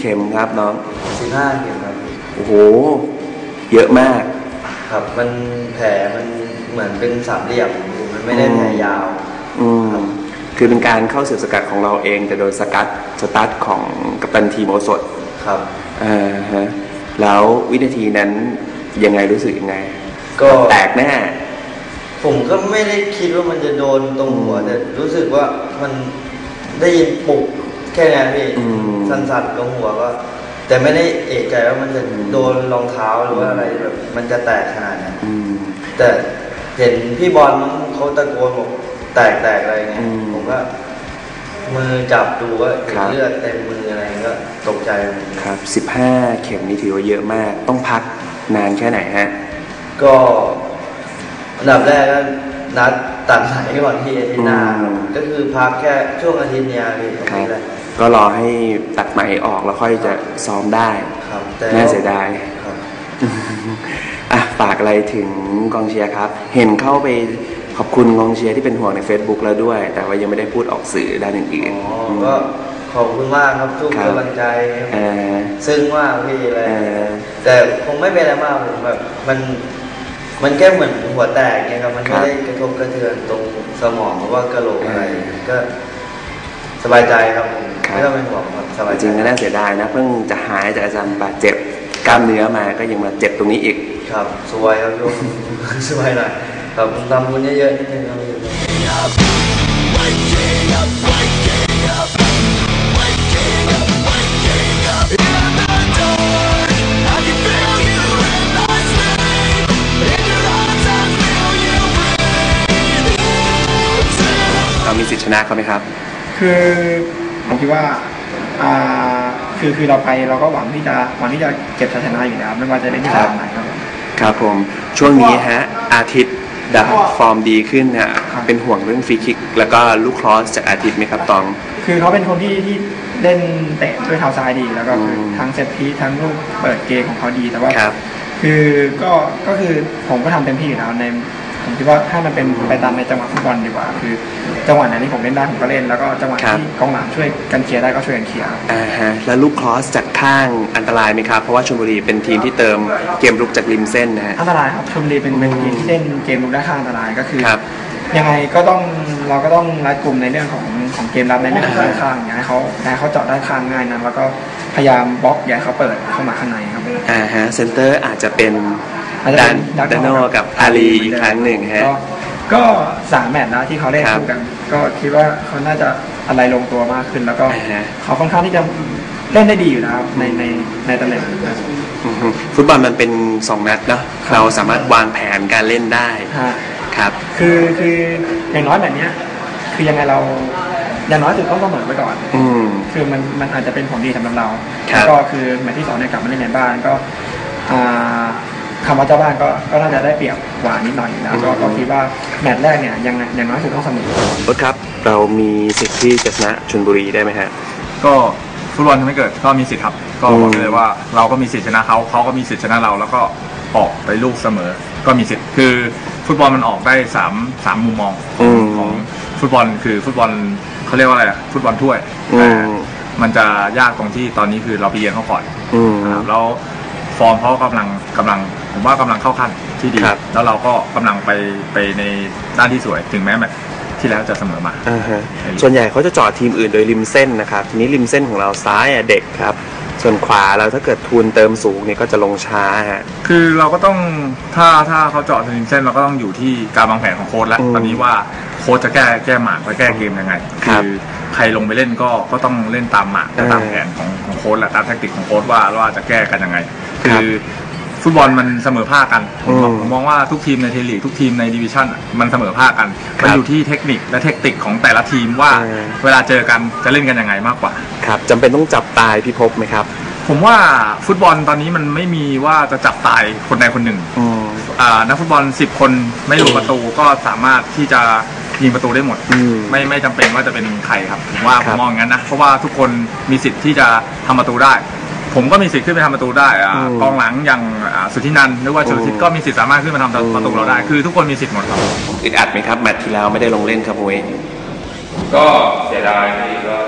ข็มครับน้อง 15 เข็มครับโอ้โหเยอะมากครับมันแผลมันเหมือนเป็นสามเหลี่ยมมันไม่ได้แผลยาวคือเป็นการเข้าสืบสกัดของเราเองแต่โดยสตาร์ทของกัปตันทีมโอสถครับฮะแล้ววินาทีนั้นยังไงรู้สึกยังไงก็แตกแน่ผมก็ไม่ได้คิดว่ามันจะโดนตรงหัวแต่รู้สึกว่ามันได้ยินปุกแค่นั้นพี่สั่นๆตรงหัวก็แต่ไม่ได้เอกใจว่ามันจะโดนรองเท้าหรือว่าอะไรแบบมันจะแตกขนาดนั้นแต่เห็นพี่บอลเขาตะโกนบอกแตกอะไรเงี้ยผมก็มือจับดูว่าเลือดเต็มมืออะไรก็ตกใจครับ15 เข็มนี่ถือว่าเยอะมากต้องพักนานแค่ไหนฮะก็อันดับแรกก็นัดตัดไหลก่อนที่อาทิตย์หน้าก็คือพักแค่ช่วงอาทิตย์นี้พี่ก็รอให้ตัดไหมออกแล้วค่อยจะซ้อมได้น่าเสียดายฝากอะไรถึงกองเชียร์ครับเห็นเข้าไปขอบคุณกองเชียร์ที่เป็นห่วงใน Facebook แล้วด้วยแต่ว่ายังไม่ได้พูดออกสื่อด้านอื่นๆก็ขอบคุณมากครับทุกกำลังใจซึ้งมากพี่อะไรแต่คงไม่เป็นอะไรมากผมแบบมันแค่เหมือนหัวแตกไงครับมันไม่ได้กระทบกระเทือนตรงสมองหรือว่ากระโหลกอะไรก็สบายใจครับไม่ต้องเป็นห่วงสบายจริงก็น่าเสียดายนะเพิ่งจะหายจากอาการบาดเจ็บกล้ามเนื้อมาก็ยังมาเจ็บตรงนี้อีกครับสวยครับโยมสวยหน่อยครับทำบุญเยอะๆนิดนึงครับเรามีสิทธิชนะเขาไหมครับคือผมคิดว่าคือเราไปเราก็หวังที่จะเก็บชัยชนะอยู่แล้วไม่ว่าจะเล่นที่ไหนครับผมช่วงนี้ฮะอาทิตย์ดับฟอร์มดีขึ้นเนี่ยเป็นห่วงเรื่องฟรีคิกแล้วก็ลูกครอสจากอาทิตย์ไหมครับตองคือเขาเป็นคนที่เล่นเตะด้วยเท้าซ้ายดีแล้วก็ทั้งเซตพีทั้งลูกเปิดเกมของเขาดีแต่ว่าคือก็คือผมก็ทำเต็มที่อยู่แล้วในผมคิดว่าถ้ามันเป็นไปตามในจังหวะฟุตบอลดีกว่าคือจังหวะไหนที่ผมเล่นได้ผมก็เล่นแล้วก็จังหวะที่กองหลังช่วยกันเคลียร์ได้ก็ช่วยกันเคลียร์แล้วลูกครอสจากข้างอันตรายไหมครับเพราะว่าชลบุรีเป็นทีมที่เติมเกมรุกจากริมเส้นนะฮะอันตรายครับชลบุรีเป็นทีมที่เล่นเกมรุกได้ข้างอันตรายก็คือยังไงก็ต้องเราก็ต้องรัดกลุ่มในเรื่องของเกมรับในเรื่องของด้านข้างอย่าให้เขาเจาะด้านข้างง่ายนะแล้วก็พยายามบล็อกอย่าให้เขาเปิดเข้ามาข้างในครับเซนเตอร์อาจจะเป็นดานโนกับอาลีอีกครั้งหนึ่งฮะก็3 แมตช์แล้วที่เขาเล่นคู่กันก็คิดว่าเขาน่าจะอะไรลงตัวมากขึ้นแล้วก็เขาค่อนข้างที่จะเล่นได้ดีอยู่นะครับในตำแหน่งฟุตบอลมันเป็น2 นัดเนาะเราสามารถวางแผนการเล่นได้ครับคืออย่างน้อยแบบนี้คือยังไงเราอย่างน้อยสุดต้องเสมอไว้ก่อนคือมันอาจจะเป็นผลดีสำหรับเราแล้วก็คือแมตช์ที่2เนี่ยกลับมาเล่นในบ้านก็คำว่าเจ้าบ้านก็น่าจะได้เปรียบกว่านิดหน่อยนะก็คิดว่าแมตช์แรกเนี่ยยังน้อยสุดต้องเสมอรถครับเรามีสิทธิ์ที่จะชนะชลบุรีได้ไหมฮะก็ฟุตบอลทำให้เกิดก็มีสิทธิ์ครับก็บอกเลยว่าเราก็มีสิทธิ์ชนะเขาก็มีสิทธิ์ชนะเราแล้วก็ออกไปลูกเสมอก็มีสิทธิ์คือฟุตบอลมันออกได้3มุมมองของฟุตบอลคือฟุตบอลเขาเรียกว่าอะไรอะฟุตบอลถ้วยแต่มันจะยากตรงที่ตอนนี้คือเราไปเยือนเขาก่อนแล้วฟอร์มเขากำลังผมว่ากำลังเข้าขั้นที่ดีแล้วเราก็กำลังไปในด้านที่สวยถึงแม้แบบที่แล้วจะเสมอมาส่วนใหญ่เขาจะจอดทีมอื่นโดยริมเส้นนะครับทีนี้ริมเส้นของเราซ้ายเด็กครับส่วนขวาเราถ้าเกิดทุนเติมสูงเนี่ยก็จะลงช้าฮะคือเราก็ต้องถ้าเขาเจาะริมเส้นเราก็ต้องอยู่ที่การวางแผนของโค้ชแล้วตอนนี้ว่าโค้ชจะแก้หมากและแก้เกมยังไงคือใครลงไปเล่นก็ต้องเล่นตามหมากตามแผนของโค้ชและตามแทคติกของโค้ชว่าจะแก้กันยังไงคือฟุตบอลมันเสมอภาคกันผมมองว่าทุกทีมในเทลีกทุกทีมในดิวิชั่นมันเสมอภาคกันมันอยู่ที่เทคนิคและเทคนิคของแต่ละทีมว่าเวลาเจอกันจะเล่นกันยังไงมากกว่าครับจำเป็นต้องจับตายพิภพไหมครับผมว่าฟุตบอลตอนนี้มันไม่มีว่าจะจับตายคนใดคนหนึ่งนักฟุตบอล10 คนไม่ลงประตูก็สามารถที่จะยิงประตูได้หมดไม่จำเป็นว่าจะเป็นใครครับผมมองอย่างนั้นนะเพราะว่าทุกคนมีสิทธิ์ที่จะทำประตูได้ผมก็มีสิทธิ์ขึ้นไปทำประตูได้กองหลังอย่างสุทธินันท์หรือว่าชลทิศก็มีสิทธิ์สามารถขึ้นมาทำประตูเราได้คือทุกคนมีสิทธิ์หมดครับอึดอัดไหมครับแมตช์ที่แล้วไม่ได้ลงเล่นครับโว้ยก็เสียดายที่ก็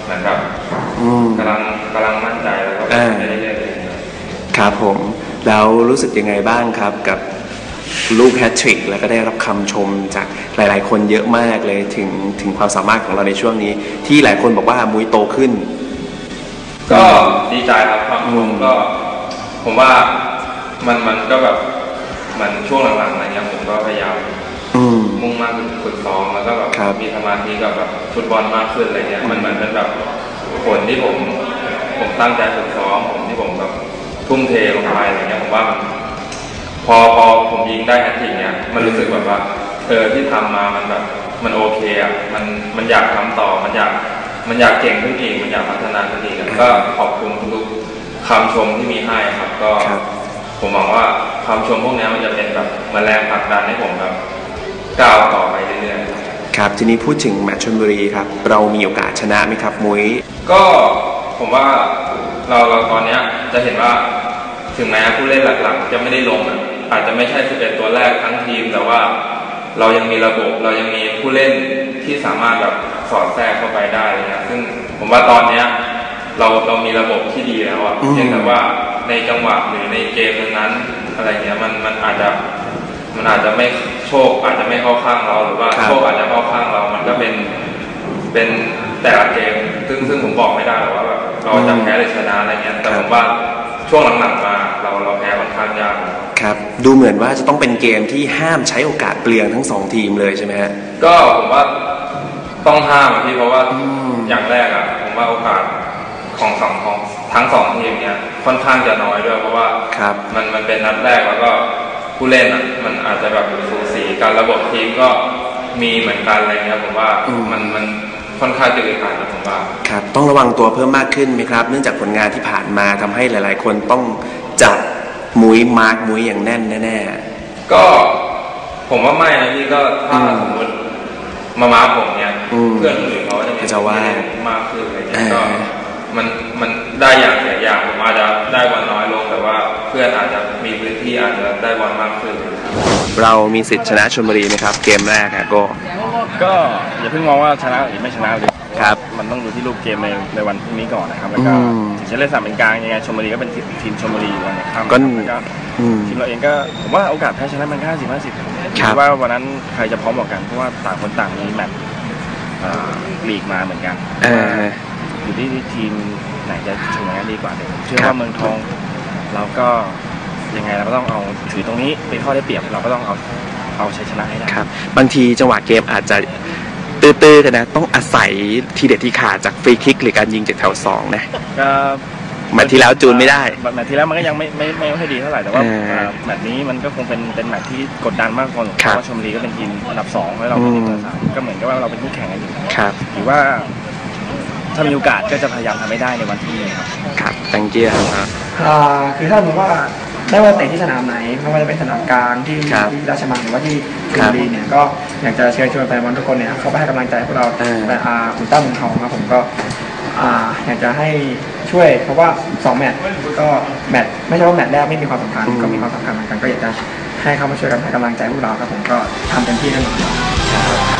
เหมือนแบบกำลังมั่นใจแล้วก็ไปเรื่อยๆครับผมแล้วรู้สึกยังไงบ้างครับกับลูกแฮตทริกแล้วก็ได้รับคำชมจากหลายๆคนเยอะมากเลยถึงความสามารถของเราในช่วงนี้ที่หลายคนบอกว่ามุ้ยโตขึ้นก็ดีใจครับความชมก็ผมว่ามันก็แบบเหมือนช่วงหลังๆอะไรเงี้ยผมก็พยายามมุ่งมั่นฝึกซ้อมแล้วก็แบบมีสมาธิกับแบบฟุตบอลมากขึ้นอะไรเงี้ยมันเหมือนเป็นแบบผลที่ผมตั้งใจฝึกซ้อมที่ผมแบบทุ่มเทลงไปอะไรเงี้ยผมว่ามันพอผมยิงได้แฮตทริกเนี่ยมันรู้สึกแบบว่าที่ทำมามันแบบมันโอเคอ่ะมันอยากทำต่อมันอยากเก่งขึ้นอีกมันอยากพัฒนาขึ้นอีกก็ขอบคุณทุกคำชมที่มีให้ครับก็ผมหวังว่าคำชมพวกนี้มันจะเป็นแบบแรงผลักดันให้ผมแบบก้าวต่อไปเรื่อยๆครับทีนี้พูดถึงแมตช์ชลบุรีครับเรามีโอกาสชนะไหมครับมุ้ยก็ผมว่าเราตอนนี้จะเห็นว่าถึงแม้ผู้เล่นหลักๆจะไม่ได้ลงอาจจะไม่ใช่11ตัวแรกทั้งทีมแต่ว่าเรายังมีระบบเรายังมีผู้เล่นที่สามารถแบบสอดแทรกเข้าไปได้นะซึ่งผมว่าตอนนี้เรามีระบบที่ดีแล้วอ่ะเพียงแต่ว่าในจังหวะหรือในเกมนั้นอะไรเงี้ยมันอาจจะไม่โชคอาจจะไม่เข้าข้างเราหรือว่าโชคอาจจะเข้าข้างเรามันก็เป็นแต่ละเกมซึ่งผมบอกไม่ได้หรอกว่าแบบเราจะแพ้หรือชนะอะไรเงี้ยแต่ผมว่าช่วงหลังๆมาเราแพ้ค่อนข้างยากครับดูเหมือนว่าจะต้องเป็นเกมที่ห้ามใช้โอกาสเปลืองทั้ง2ทีมเลยใช่ไหมฮะก็ผมว่าต้องห้ามพี่เพราะว่าอย่างแรกอ่ะผมว่าโอกาสของทั้ง2ทีมเนี่ยค่อนข้างจะน้อยด้วยเพราะว่ามันเป็นนัดแรกแล้วก็ผู้เล่นอ่ะมันอาจจะแบบสูสีกันระบบทีมก็มีเหมือนกันอะไรเงี้ยผมว่ามันค่อนข้างจะอึดอัดนะผมว่าครับต้องระวังตัวเพิ่มมากขึ้นไหมครับเนื่องจากผลงานที่ผ่านมาทำให้หลายๆคนต้องจับมุ้ยมาร์กมุ้ยอย่างแน่นแน่ๆก็ผมว่าไม่นะพี่ก็ถ้าสมมติมาร์กผมเนี่ยเพื่อนอื่นเขาจะมีมากขึ้นอะไรเงี้ยก็มันได้อย่างเสียอย่างผมอาจจะได้บอลน้อยลงแต่ว่าเพื่อนอาจจะมีพื้นที่อาจจะได้บอลมากขึ้นเรามีสิทธิ์ชนะชลบุรีไหมครับเกมแรกครับก็อย่าเพิ่งมองว่าชนะหรือไม่ชนะเลยครับมันต้องดูที่รูปเกมในวันพรุ่งนี้ก่อนนะครับแล้วก็ถึงจะเล่นสามเป็นกลางยังไงชลบุรีก็เป็นทีมชลบุรีวันนี้ครับก็ทีมเราเองก็ผมว่าโอกาสแพ้ชนะมัน50-50คิดว่าวันนั้นใครจะพร้อมกว่ากันเพราะว่าต่างคนต่างมีแมตช์ลีกมาเหมือนกันอยู่ที่ทีมไหนจะชนะดีกว่าเดี๋ยวเชื่อว่าเมืองทองเราก็ยังไงเราก็ต้องเอาถือตรงนี้เป็นข้อได้เปรียบเราก็ต้องเอาชัยชนะให้ได้ครับบางทีจังหวะเกมอาจจะตื้อๆกันนะต้องอาศัยทีเด็ดที่ขาดจากฟรีคิกหรือการยิงจากแถว2นะแมตช์ที่แล้วจูนไม่ได้แมตช์ที่แล้วมันก็ยังไม่ค่อยดีเท่าไหร่แต่ว่าแมตช์นี้มันก็คงเป็นแมตช์ที่กดดันมากกว่าเพราะว่าชลบุรีก็เป็นทีมอันดับ2แล้วเราเป็นทีมอันดับ3ก็เหมือนกับว่าเราเป็นคู่แข่งกันอยู่หรือว่าถ้ามีโอกาสก็จะพยายามทำให้ได้ในวันที่นี้ครับตังเจียครับคือถ้าผมว่าได้ว่าเตะที่สนามไหนไม่ว่าจะเป็นสนามกลางที่ราชมังหรือว่าที่กรุงรีเนี่ยก็อยากจะเชิญชวนแฟนบอลทุกคนเนี่ยเข้าไปให้กำลังใจพวกเราแต่คุณตั้มมุงทองครับผมก็อยากจะให้ช่วยเพราะว่า2แมตช์ก็แมตช์ไม่ใช่ว่าแมตช์แรกไม่มีความสำคัญก็มีความสำคัญเหมือนกันก็อยากจะให้เข้ามาช่วยกันให้กำลังใจพวกเราครับผมก็ทำเต็มที่แน่นอน